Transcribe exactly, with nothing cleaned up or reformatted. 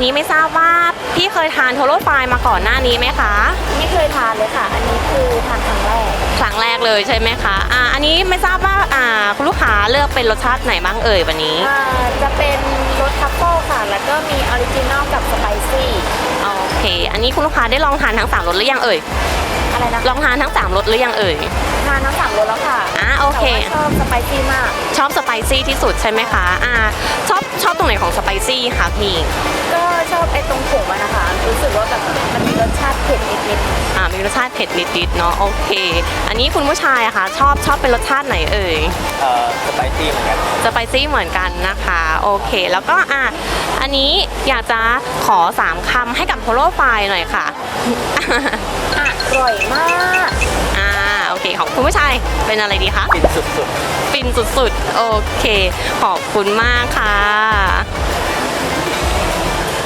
นี้ไม่ทราบว่าพี่เคยทานโทโร่ไฟมาก่อนหน้านี้ไหมคะไม่เคยทานเลยค่ะ อันนี้คือทานครั้งแรกครั้งแรกเลยใช่ไหมคะอ่าอันนี้ไม่ทราบว่าอ่าคุณลูกค้าเลือกเป็นรสชาติไหนบ้างเอ่ยวันนี้อ่าจะเป็นรสทัฟเฟิลค่ะ แล้วก็มีออริจินอลกับสไปซี่โอเค อันนี้คุณลูกค้าได้ลองทานทั้งสามรสหรือยังเอ่ยอะไรนะลองทานทั้งสามรสหรือยังเอ่ยทานทั้งสามรสแล้วค่ะอ่าโอเคแต่ว่าชอบสไปซี่มากชอบสไปซี่ที่สุดใช่ไหมคะอ่าชอบชอบตรงไหนของสไปซี่คะพี่ก็ชอบไอ้ตรงผงมันนะคะ รู้สึกว่าแบบมันมีรสชาติเผ็ดนิดอ่ามีรสชาติเผ็ดนิดๆเนาะโอเค อันนี้คุณผู้ชายอะคะชอบชอบเป็นรสชาติไหนเอ่ยเอ่อสไปซี่เหมือนกันสไปซี่เหมือนกันนะคะโอเค แล้วก็อ่ะอันนี้อยากจะขอสามคำให้กับโทโร่ไฟหน่อยค่ะๆอร่อยมากอ่าโอเคของคุณผู้ชายเป็นอะไรดีคะฟินสุดฟินสุดๆ โอเค ขอบคุณมากค่ะ